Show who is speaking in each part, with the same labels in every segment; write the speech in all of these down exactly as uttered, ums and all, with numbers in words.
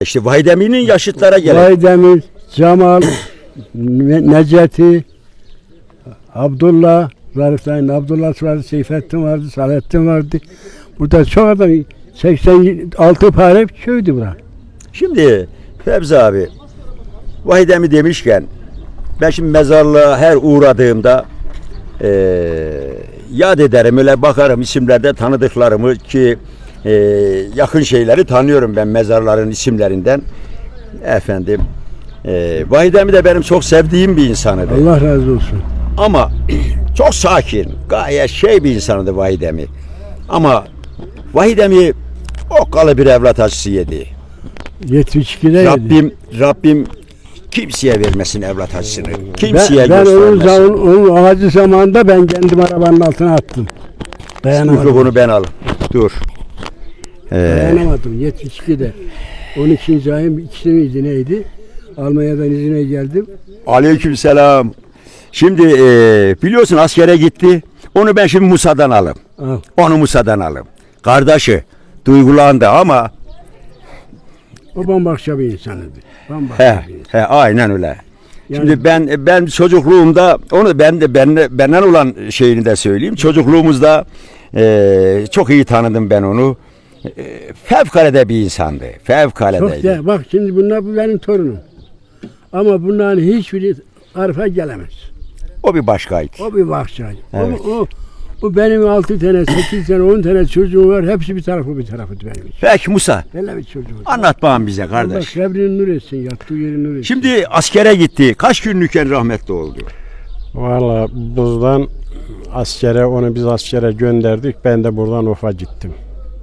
Speaker 1: İşte Vahidemi'nin yaşıtlara gelen.
Speaker 2: Vahidemi, Cemal, Ne- Necati, Abdullah, Zarif'ten Abdullah vardı, Seyfettin vardı, Salettin vardı. Burada çok adam, seksen altı pare köydü bura.
Speaker 1: Şimdi Fevzi abi, Vahidemi demişken ben şimdi mezarlığa her uğradığımda eee yad ederim, öyle bakarım isimlerde tanıdıklarımı ki eee, yakın şeyleri tanıyorum ben mezarların isimlerinden. Efendim, eee Vahidemi de benim çok sevdiğim bir insanıdır.
Speaker 2: Allah razı olsun.
Speaker 1: Ama çok sakin, gayet şey bir insanıdır Vahidemi. Ama Vahidemi okkalı bir evlat acısı yedi.
Speaker 2: yetmiş ikide yedi.
Speaker 1: Rabbim Rabbim kimseye vermesin evlat acısını. Kimseye
Speaker 2: Ben, ben onun,
Speaker 1: göstermesin.
Speaker 2: zaman, onun acı zamanında ben kendim arabanın altına attım. Dayanamadım.
Speaker 1: Bunu ben al. Dur. Ee,
Speaker 2: Dayanamadım yetmiş ikide. on ikinci ayın ikisi miydi neydi? Almanya'dan izine geldim.
Speaker 1: Aleykümselam. Şimdi e, biliyorsun askere gitti. Onu ben şimdi Musa'dan alayım.
Speaker 2: Al.
Speaker 1: Onu Musa'dan alayım. Kardeşi duygulandı ama
Speaker 2: O bambaşka bir insanıydı. Bambaşka
Speaker 1: he,
Speaker 2: bir insan.
Speaker 1: he aynen öyle.
Speaker 2: Yani-
Speaker 1: Şimdi ben ben çocukluğumda onu ben de ben benden olan şeyini de söyleyeyim. Çocukluğumuzda e, çok iyi tanıdım ben onu. E, fevkalade bir insandı.
Speaker 2: Çok
Speaker 1: Fevkalade.
Speaker 2: de, bak şimdi bunlar bu benim torunum. Ama bunların hiçbiri Arif'e gelemez.
Speaker 1: O bir başkaydı.
Speaker 2: O bir bahçaydı.
Speaker 1: Evet.
Speaker 2: O, o, o benim altı tane, sekiz tane, on tane çocuğum var. Hepsi bir tarafı bir tarafıydı benim için.
Speaker 1: Peki Musa,
Speaker 2: Böyle bir çocuğum.
Speaker 1: anlat bana bize
Speaker 2: Allah
Speaker 1: kardeş.
Speaker 2: kabrini nur etsin, yattığı yeri nur etsin.
Speaker 1: Şimdi askere gitti. Kaç günlükken rahmetli oldu?
Speaker 3: Valla buradan askere, onu biz askere gönderdik. Ben de buradan Of'a gittim.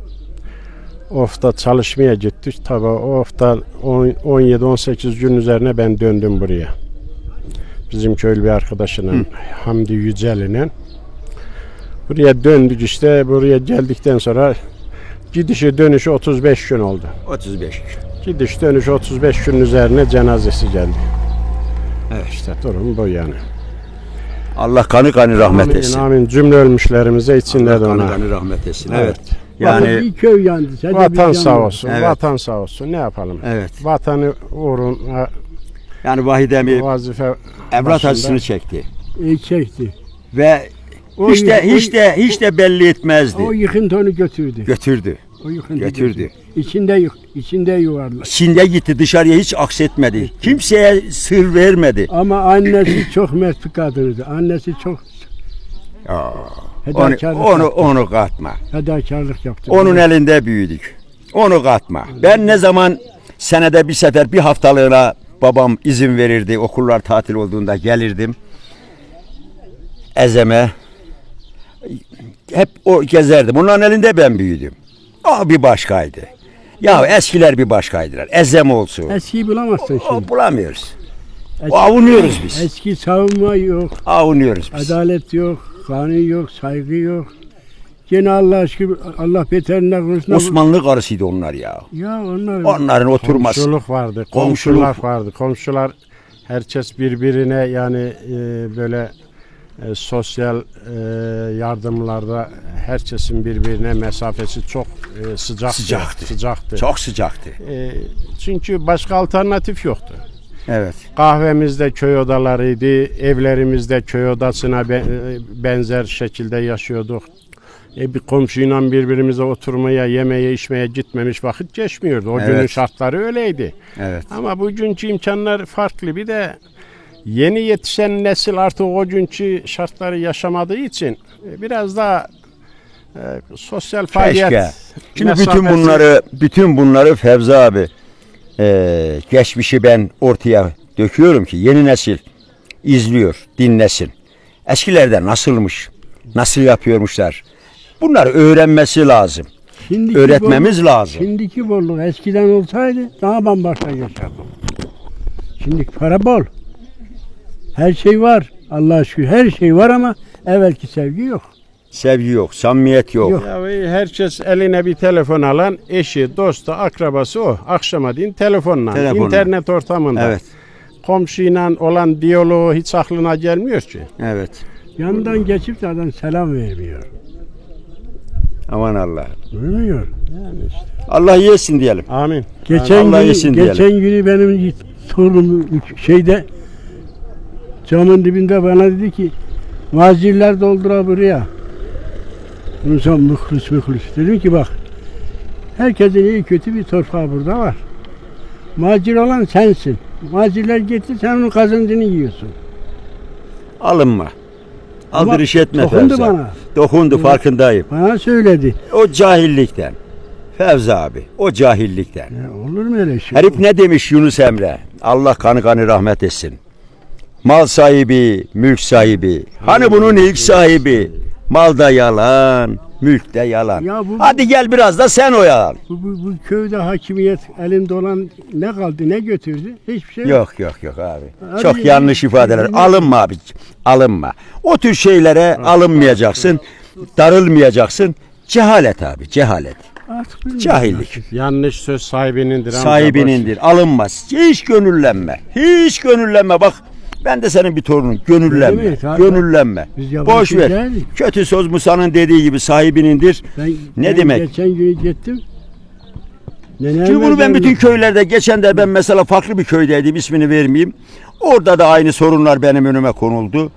Speaker 3: Of'ta çalışmaya gittik. Tabii Of'ta on yedi on sekiz gün üzerine ben döndüm buraya. Bizim köylü bir arkadaşıyla, Hı. Hamdi Yücel'le. Buraya döndük işte. Buraya geldikten sonra gidişi dönüşü otuz beş gün oldu.
Speaker 1: otuz beş.
Speaker 3: Gidiş dönüş otuz beş gün üzerine cenazesi geldi.
Speaker 1: Evet.
Speaker 3: İşte durum bu yani.
Speaker 1: Allah kanı kanı rahmet
Speaker 3: Amin,
Speaker 1: etsin.
Speaker 3: amin. Cümle ölmüşlerimize içinde
Speaker 1: Allah
Speaker 3: de
Speaker 1: kanı
Speaker 3: ona.
Speaker 1: kanı rahmet etsin.
Speaker 3: Evet.
Speaker 1: Evet. Yani
Speaker 2: bir köy yandı. sadece bir
Speaker 3: Vatan
Speaker 2: can
Speaker 3: sağ
Speaker 2: var.
Speaker 3: olsun.
Speaker 1: Evet.
Speaker 3: Vatan sağ olsun. Ne yapalım?
Speaker 1: evet.
Speaker 3: Vatanı uğruna
Speaker 1: Yani Vahidemi
Speaker 3: vazife
Speaker 1: evlat
Speaker 3: başında.
Speaker 1: acısını çekti.
Speaker 2: E, çekti.
Speaker 1: Ve
Speaker 2: O
Speaker 1: hiç de
Speaker 2: yık-
Speaker 1: hiç de hiç de belli etmezdi.
Speaker 2: O yıkıntı onu götürdü.
Speaker 1: Götürdü.
Speaker 2: O yıkıntı
Speaker 1: götürdü.
Speaker 2: götürdü. İçinde yık, içinde yuvarlak.
Speaker 1: İçinde gitti, dışarıya hiç aksetmedi. Kimseye sır vermedi.
Speaker 2: Ama annesi çok mert bir kadındı. Annesi çok
Speaker 1: Aa, onu,
Speaker 2: fedakarlık
Speaker 1: onu,
Speaker 2: yaptı.
Speaker 1: onu katma.
Speaker 2: Fedakarlık yaptı.
Speaker 1: Onun elinde büyüdük. Onu katma. Ben ne zaman senede bir sefer bir haftalığına babam izin verirdi. Okullar tatil olduğunda gelirdim. Ezeme. Hep o gezerdim. Onların elinde ben büyüdüm. O bir başkaydı. Ya eskiler bir başkaydılar. Ezem olsun.
Speaker 2: Eskiyi bulamazsın
Speaker 1: O
Speaker 2: şimdi.
Speaker 1: bulamıyoruz.
Speaker 2: Eski,
Speaker 1: O avunuyoruz biz.
Speaker 2: eski savunma yok.
Speaker 1: Avunuyoruz biz.
Speaker 2: Adalet yok. Kanun yok. Saygı yok. Gene Allah aşkına Allah beterinden konusunda.
Speaker 1: Osmanlı karısıydı onlar ya.
Speaker 2: Ya onlar.
Speaker 1: Onların oturması.
Speaker 3: Komşuluk vardı.
Speaker 1: Komşuluk.
Speaker 3: Komşular vardı. Komşular herkes birbirine yani e, böyle e, sosyal e, yardımlarda herkesin birbirine mesafesi çok e, sıcaktı.
Speaker 1: Sıcaktı.
Speaker 3: Sıcaktı.
Speaker 1: Çok sıcaktı.
Speaker 3: E, çünkü başka alternatif yoktu.
Speaker 1: Evet.
Speaker 3: Kahvemizde köy odalarıydı, evlerimizde köy odasına be- benzer şekilde yaşıyorduk. E bir komşuyla birbirimize oturmaya, yemeye, içmeye gitmemiş vakit geçmiyordu. O
Speaker 1: Evet.
Speaker 3: günün şartları öyleydi.
Speaker 1: Evet.
Speaker 3: Ama bugünkü imkanlar farklı. Bir de yeni yetişen nesil artık o günkü şartları yaşamadığı için e, biraz daha e, sosyal faaliyet.
Speaker 1: Keşke. Şimdi bütün
Speaker 3: mesafesi-
Speaker 1: bunları, bütün bunları Fevzi abi eee, geçmişi ben ortaya döküyorum ki yeni nesil izliyor, dinlesin. Eskilerde nasılmış, nasıl yapıyormuşlar. Bunları öğrenmesi lazım.
Speaker 2: Şimdiki
Speaker 1: Öğretmemiz
Speaker 2: bolluk-
Speaker 1: lazım.
Speaker 2: Şimdiki bolluk eskiden olsaydı daha bambaşka yaşardım. Şimdi para bol. Her şey var. Allah'a şükür her şey var ama evvelki sevgi yok.
Speaker 1: Sevgi yok, samimiyet yok.
Speaker 2: Yok.
Speaker 3: Ya herkes eline bir telefon alan eşi, dostu, akrabası o. Akşama din telefonla,
Speaker 1: Telefonla.
Speaker 3: internet ortamında.
Speaker 1: Evet,
Speaker 3: Komşuyla olan diyaloğu hiç aklına gelmiyor ki.
Speaker 1: evet.
Speaker 2: Yanından geçip de adam selam vermiyor.
Speaker 1: Aman Allah.
Speaker 2: Bilmiyor.
Speaker 3: Yani işte.
Speaker 1: Allah yesin diyelim.
Speaker 3: Amin.
Speaker 2: Geçen
Speaker 1: Allah
Speaker 2: gün,
Speaker 1: yesin
Speaker 2: geçen
Speaker 1: diyelim.
Speaker 2: günü benim torunum şeyde camın dibinde bana dedi ki macirler doldura buraya. Bunun son mıhlis mıhlis. Dedim ki bak herkesin iyi kötü bir torpağı burada var. Macir olan sensin. Macirler gitti sen onun kazancını yiyorsun.
Speaker 1: Alınma.
Speaker 2: Ama
Speaker 1: Aldırış etme
Speaker 2: dokundu
Speaker 1: Fevzi.
Speaker 2: bana.
Speaker 1: Dokundu farkındayım.
Speaker 2: Bana söyledi.
Speaker 1: O cahillikten. Fevzi abi o cahillikten.
Speaker 2: Ya olur mu öyle şey?
Speaker 1: Herif ne demiş Yunus Emre? Allah kanı kanı rahmet etsin. Mal sahibi, mülk sahibi. Hani bunun ilk sahibi? Malda yalan, mülkte yalan.
Speaker 2: Ya bu-
Speaker 1: Hadi gel biraz da sen oyalan.
Speaker 2: Bu, bu, bu köyde hakimiyet elinde olan ne kaldı ne götürdü? Hiçbir şey
Speaker 1: Yok yok yok abi.
Speaker 2: Abi,
Speaker 1: Çok yanlış ifadeler.
Speaker 2: abi,
Speaker 1: Alınma abi. Alınma. O tür şeylere alınmayacaksın. Darılmayacaksın. Cehalet abi, cehalet.
Speaker 2: Artık bilmiyorum.
Speaker 1: Cahillik.
Speaker 3: Yanlış söz sahibinindir. amca,
Speaker 1: Sahibinindir. Alınmaz. Hiç gönüllenme. Hiç gönüllenme. Bak ben de senin bir torunun. Gönüllenme.
Speaker 2: Evet, abi.
Speaker 1: Gönüllenme.
Speaker 2: Biz yabancı
Speaker 1: Boş ver.
Speaker 2: değiliz.
Speaker 1: Kötü söz Musa'nın dediği gibi sahibinindir.
Speaker 2: Ben,
Speaker 1: Ne
Speaker 2: ben
Speaker 1: demek?
Speaker 2: Geçen gün gittim. Nenem
Speaker 1: Şimdi bunu ben
Speaker 2: ve
Speaker 1: bütün köylerde geçen de ben mesela farklı bir köydeydim ismini vermeyeyim. Orada da aynı sorunlar benim önüme konuldu.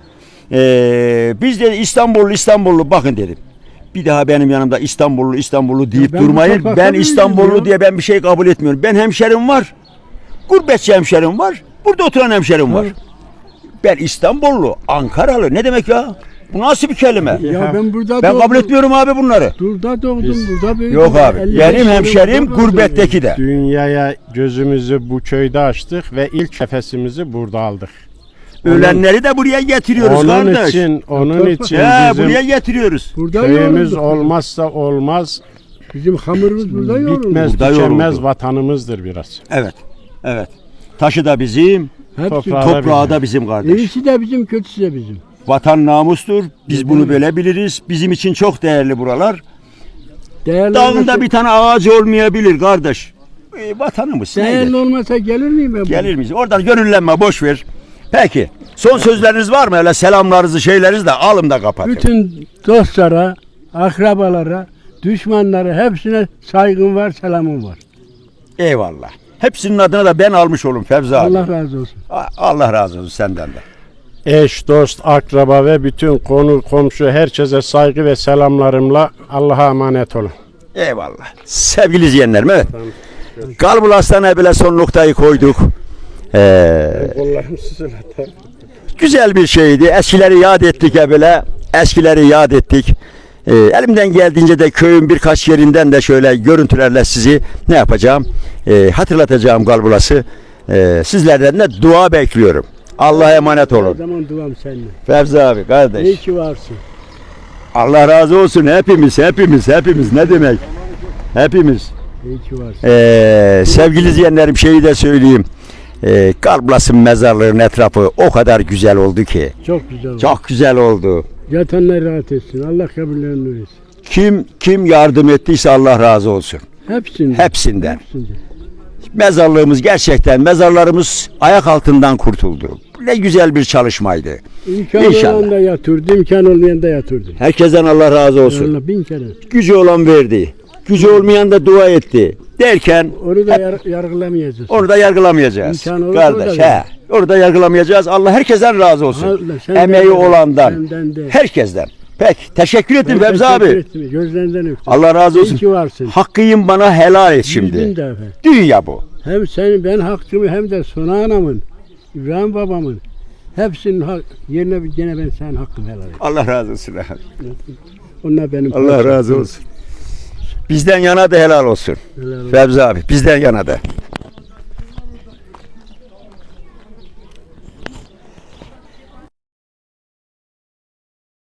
Speaker 1: Ee, biz de İstanbullu İstanbullu bakın dedim. Bir daha benim yanımda İstanbullu İstanbullu deyip
Speaker 2: ben bu
Speaker 1: durmayın.
Speaker 2: toprakta
Speaker 1: Ben
Speaker 2: büyüdüm
Speaker 1: İstanbullu
Speaker 2: ya.
Speaker 1: diye ben bir şey kabul etmiyorum. Ben hemşerim var. Gurbetçi hemşerim var. Burada oturan hemşerim var.
Speaker 2: Var.
Speaker 1: Ben İstanbullu, Ankaralı ne demek ya? Bu nasıl bir kelime?
Speaker 2: Ya ben burada
Speaker 1: Ben
Speaker 2: doğdum.
Speaker 1: kabul etmiyorum abi bunları.
Speaker 2: Burada doğdum,
Speaker 3: Biz-
Speaker 2: burada büyüdüm.
Speaker 1: Yok abi.
Speaker 2: elli beş
Speaker 1: Benim
Speaker 2: yılım
Speaker 1: hemşerim
Speaker 2: burada doğdum.
Speaker 1: gurbetteki de.
Speaker 3: Dünyaya gözümüzü bu köyde açtık ve ilk nefesimizi burada aldık.
Speaker 1: Ölenleri de buraya getiriyoruz
Speaker 3: Onun
Speaker 1: kardeş.
Speaker 3: için, onun
Speaker 2: Torpa-
Speaker 3: için
Speaker 1: He,
Speaker 3: bizim
Speaker 1: buraya getiriyoruz.
Speaker 2: Burada
Speaker 3: köyümüz
Speaker 2: yorulduk.
Speaker 3: olmazsa olmaz,
Speaker 2: Bizim hamurumuz burada yoruldu.
Speaker 3: bitmez,
Speaker 1: Burada
Speaker 3: tükenmez
Speaker 1: yoruldu.
Speaker 3: vatanımızdır biraz.
Speaker 1: Evet. Evet. Taşı da bizim,
Speaker 2: Hepsi.
Speaker 3: Toprağı-
Speaker 1: toprağı da bizim kardeş.
Speaker 2: İyisi de bizim, kötüsü de bizim.
Speaker 1: Vatan namustur. Biz bunu böyle biliriz. Bizim için çok değerli buralar.
Speaker 2: Değerli
Speaker 1: Dağında
Speaker 2: olmasa,
Speaker 1: bir tane ağaç olmayabilir kardeş. E, vatanımız
Speaker 2: değerli
Speaker 1: nedir?
Speaker 2: olmasa gelir miyim ben?
Speaker 1: Gelir miyiz? Oradan gönüllenme boş ver. Peki. Son sözleriniz var mı? Öyle selamlarınızı şeylerinizi de alın da kapatın.
Speaker 2: Bütün dostlara, akrabalara, düşmanlara hepsine saygım var, selamım var.
Speaker 1: Eyvallah. Hepsinin adına da ben almış olum Fevzi abi.
Speaker 2: Allah razı olsun.
Speaker 1: A- Allah razı olsun senden de.
Speaker 3: Eş, dost, akraba ve bütün konu, komşu herkese saygı ve selamlarımla Allah'a emanet olun.
Speaker 1: Eyvallah. Sevgili izleyenlerim evet. Kalbul Hastaneye bile son noktayı koyduk. Ee, güzel bir şeydi. Eskileri yad ettik ya böyle. Eskileri yad ettik. Ee, elimden geldiğince de köyün birkaç yerinden de şöyle görüntülerle sizi ne yapacağım? Ee, hatırlatacağım Kalbulas'ı. Ee, sizlerden de dua bekliyorum. Allah'a emanet
Speaker 2: Her
Speaker 1: olun.
Speaker 2: zaman duam seninle.
Speaker 1: Fevzi abi kardeş.
Speaker 2: İyi ki varsın.
Speaker 1: Allah razı olsun hepimiz, hepimiz, hepimiz. Ne demek? Hepimiz.
Speaker 2: İyi ki varsın.
Speaker 1: Ee, sevgili izleyenlerim şeyi de söyleyeyim. Ee, Kalbulas'ın mezarlığının etrafı o kadar güzel oldu ki.
Speaker 2: Çok güzel oldu.
Speaker 1: Çok güzel oldu.
Speaker 2: Yatanlar rahat etsin. Allah kabirlerini nur etsin.
Speaker 1: Kim kim yardım ettiyse Allah razı olsun.
Speaker 2: Hepsinden.
Speaker 1: Hepsinden.
Speaker 2: Hepsinden.
Speaker 1: Mezarlığımız gerçekten, mezarlarımız ayak altından kurtuldu. Ne güzel bir çalışmaydı.
Speaker 2: İmkan
Speaker 1: İnşallah.
Speaker 2: olan da yatırdı, imkan olmayan da yatırdı.
Speaker 1: Herkesten Allah razı olsun.
Speaker 2: Allah bin kere.
Speaker 1: Gücü olan verdi. Gücü olmayan da dua etti. Derken
Speaker 2: Onu da yar- yargılamayacağız.
Speaker 1: onu da yargılamayacağız.
Speaker 2: İmkanı olursa
Speaker 1: Kardeş
Speaker 2: orada
Speaker 1: he. Orada yargılamayacağız. Allah herkesten razı olsun.
Speaker 2: Allah senden
Speaker 1: Emeği
Speaker 2: de,
Speaker 1: olandan.
Speaker 2: senden de.
Speaker 1: Herkesten. Peki. Teşekkür ettim
Speaker 2: Ben
Speaker 1: Fevzi
Speaker 2: teşekkür
Speaker 1: abi.
Speaker 2: ettim. Gözlerinden öptüm.
Speaker 1: Allah razı
Speaker 2: İyi
Speaker 1: olsun.
Speaker 2: ki varsın.
Speaker 1: Hakkıyım bana helal et
Speaker 2: Yüz bin
Speaker 1: şimdi.
Speaker 2: defa.
Speaker 1: Dünya bu.
Speaker 2: Hem senin ben hakkımı hem de Suna anamın, İbrahim babamın hepsinin hak, yerine gene ben senin hakkını helal et.
Speaker 1: Allah razı olsun.
Speaker 2: Onlar benim
Speaker 1: Allah
Speaker 2: parçam.
Speaker 1: razı olsun. Bizden yana da helal olsun.
Speaker 2: Helal olsun.
Speaker 1: Fevzi abi bizden yana da.